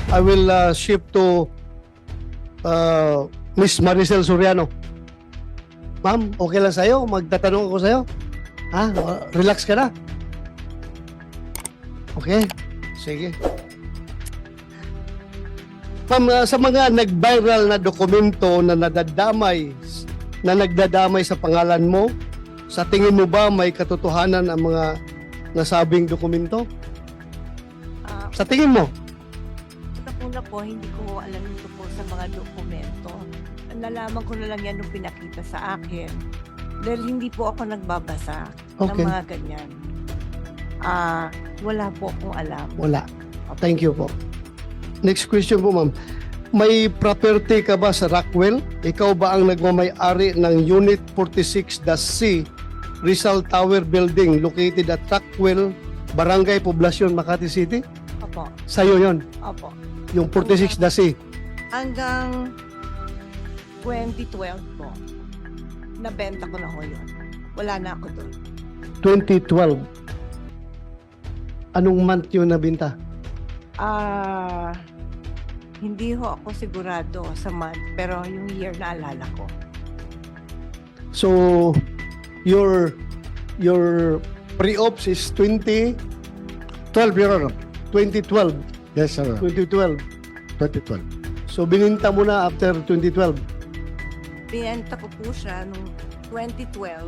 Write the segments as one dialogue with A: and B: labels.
A: I will shift to Miss Maricel Soriano. Ma'am, okay lang sa'yo? Magtatanong ako sa'yo? Ha? Relax ka na? Okay? Sige. Ma'am, sa mga nag-viral na dokumento na nagdadamay sa pangalan mo, sa tingin mo ba may katotohanan ang mga nasabing dokumento? Sa tingin mo?
B: Sa una po, hindi ko alam ito po sa mga dokumento. Nalaman ko na lang yan nung pinakita sa akin. Dahil hindi po ako nagbabasa ng
A: Okay.
B: mga ganyan. Wala po akong alam.
A: Wala. Thank you po. Next question po, ma'am. May property ka ba sa Rockwell? Ikaw ba ang nagmamay-ari ng Unit 46-C Rizal Tower Building located at Rockwell, Barangay Poblacion, Makati City?
B: Opo.
A: Sa'yo yon,
B: Opo.
A: yung 46-C.
B: Hanggang 2012 po, nabenta ko na ho yun. Wala na ako doon.
A: 2012. Anong month yun nabinta?
B: Hindi ho ako sigurado sa month, pero yung year na alala ko.
A: So, your pre-ops is 2012, Your Honor. 2012.
C: Yes, sir.
A: 2012.
C: 2012.
A: So, bininta mo na after 2012.
B: Binenta ko po siya nung 2012.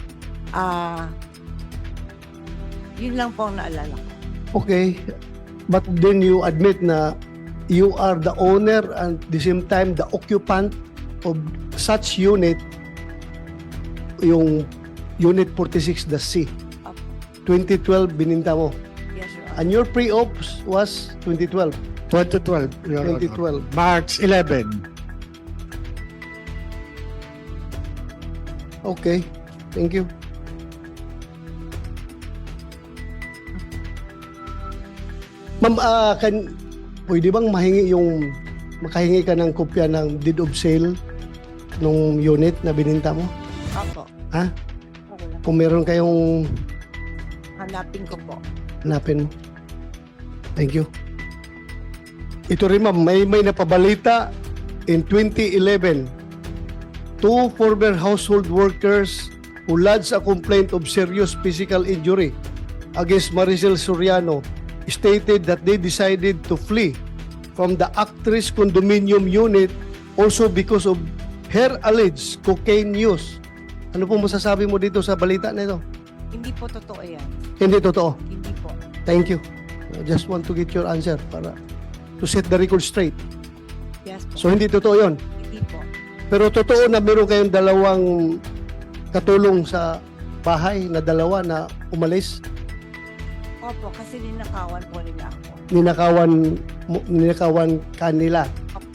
B: Yun lang po ang naalala ko.
A: Okay. But then you admit na you are the owner and at the same time the occupant of such unit, yung Unit 46, the C.
B: Opo.
A: 2012 bininta mo.
B: Yes, Your Honor.
A: And your pre-ops was 2012.
C: 2012. Your Honor.
A: 2012.
C: March 11.
A: Okay. Thank you. Ma'am, pwede bang makahingi ka ng kopya ng deed of sale nung unit na bininta mo?
B: Opo.
A: Ha?
B: Okay lang.
A: Kung meron kayong
B: Hanapin ko po.
A: hanapin mo. Thank you. Ito rin ma'am, may napabalita in 2011. Two former household workers who lodged a complaint of serious physical injury against Maricel Soriano stated that they decided to flee from the actress condominium unit also because of her alleged cocaine use. Ano po masasabi mo dito sa balita na ito?
B: Hindi po totoo yan.
A: Hindi totoo.
B: Hindi po.
A: Thank you. I just want to get your answer para to set the record straight.
B: Yes po.
A: So hindi totoo yon.
B: Hindi po.
A: Pero totoo na meron kayong dalawang katulong sa bahay na dalawa na umalis.
B: Opo, kasi ninakawan po nila ako.
A: Ninakawan kanila.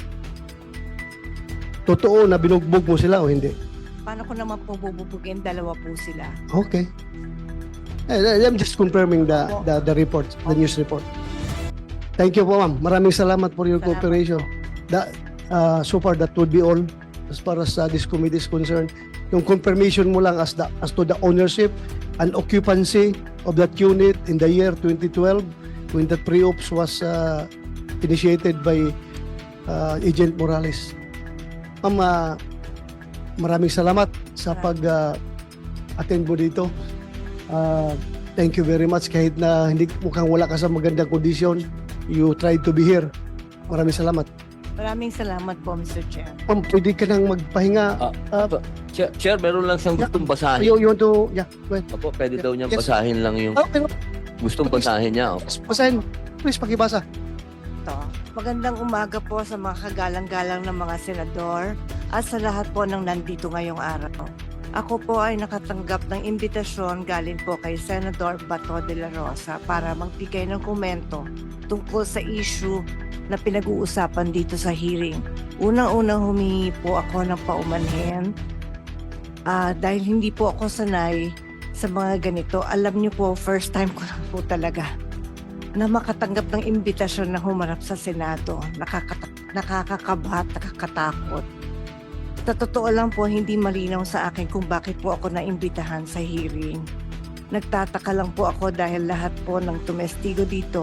A: Totoo na binugbog mo sila o hindi?
B: Paano ko naman po bububugin? Dalawa po sila.
A: Okay. I'm just confirming the report, the news report. Thank you po, ma'am. Maraming salamat for your
B: Salamat
A: cooperation. So far, that would be all as far as this committee is concerned. Yung confirmation mo lang as to the ownership and occupancy of that unit in the year 2012 when the pre-ops was initiated by Agent Morales. Ma'am, maraming salamat sa pag-attend mo dito. Thank you very much. Kahit na hindi mukhang wala ka sa magandang kondisyon, you tried to be here. Maraming salamat.
B: Maraming salamat po, Mr. Chair.
A: Ma'am, pwede ka nang magpahinga.
D: Sir, meron lang siyang gustong basahin.
A: You want to, yeah, go ahead.
D: Opo, pwede daw niyang
A: Yes.
D: basahin lang yung
A: Pero,
D: gustong basahin niya. Opo.
A: basahin. Please, pakibasa.
B: Ito. Magandang umaga po sa mga kagalang-galang ng mga senador at sa lahat po ng nandito ngayong araw. Ako po ay nakatanggap ng imbitasyon galing po kay Senador Bato de la Rosa para magbigay ng komento tungkol sa issue na pinag-uusapan dito sa hearing. Unang-unang humingi po ako ng paumanhin dahil hindi po ako sanay sa mga ganito. Alam niyo po, first time ko lang po talaga na makatanggap ng imbitasyon na humarap sa Senado. Nakakakabahat, nakakatakot. Sa totoo lang po, hindi malinaw sa akin kung bakit po ako naimbitahan sa hearing. Nagtataka lang po ako dahil lahat po ng tumestigo dito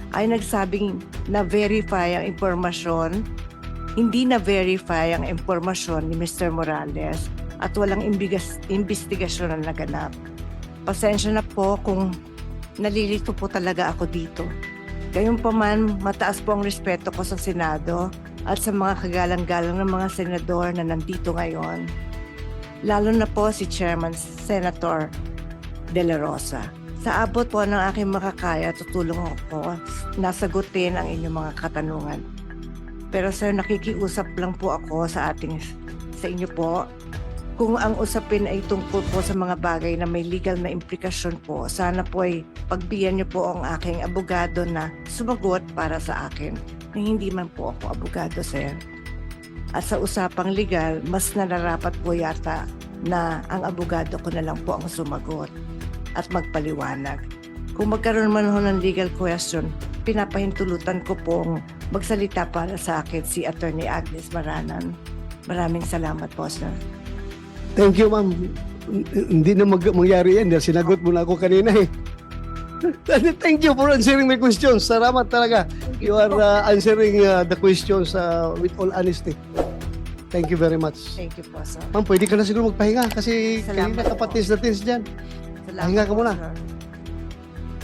B: ay nagsabing na-verify ang impormasyon, hindi na-verify ang impormasyon ni Mr. Morales at walang investigasyon na naganap. Pasensya na po kung nalilito po talaga ako dito. Gayunpaman, mataas po ang respeto ko sa Senado at sa mga kagalang-galang ng mga senador na nandito ngayon. Lalo na po si Chairman Senator De La Rosa. Sa abot po ng aking makakaya, tutulong ako na sagutin ang inyong mga katanungan. Pero sir, nakikiusap lang po ako sa inyo po. Kung ang usapin ay tungkol po sa mga bagay na may legal na implikasyon po, sana po ay pagbigyan niyo po ang aking abogado na sumagot para sa akin. Na hindi man po ako abogado, sir. At sa usapang legal, mas nararapat po yata na ang abogado ko na lang po ang sumagot at magpaliwanag. Kung magkaroon man ho ng legal question, pinapahintulutan ko pong magsalita para sa akin si Attorney Agnes Maranan. Maraming salamat po, sir.
A: Thank you, ma'am. Hindi na mangyari yan dahil sinagot mo na ako kanina eh. Thank you for answering my questions. Salamat talaga. You are answering the questions with all honesty. Thank you very much.
B: Thank you po, sir.
A: Ma'am, pwede ka na siguro magpahinga kasi
B: Salamat
A: kanina
B: po.
A: kapatis na tins dyan.
B: Salamat
A: Pahinga ka
B: po,
A: muna.
B: sir.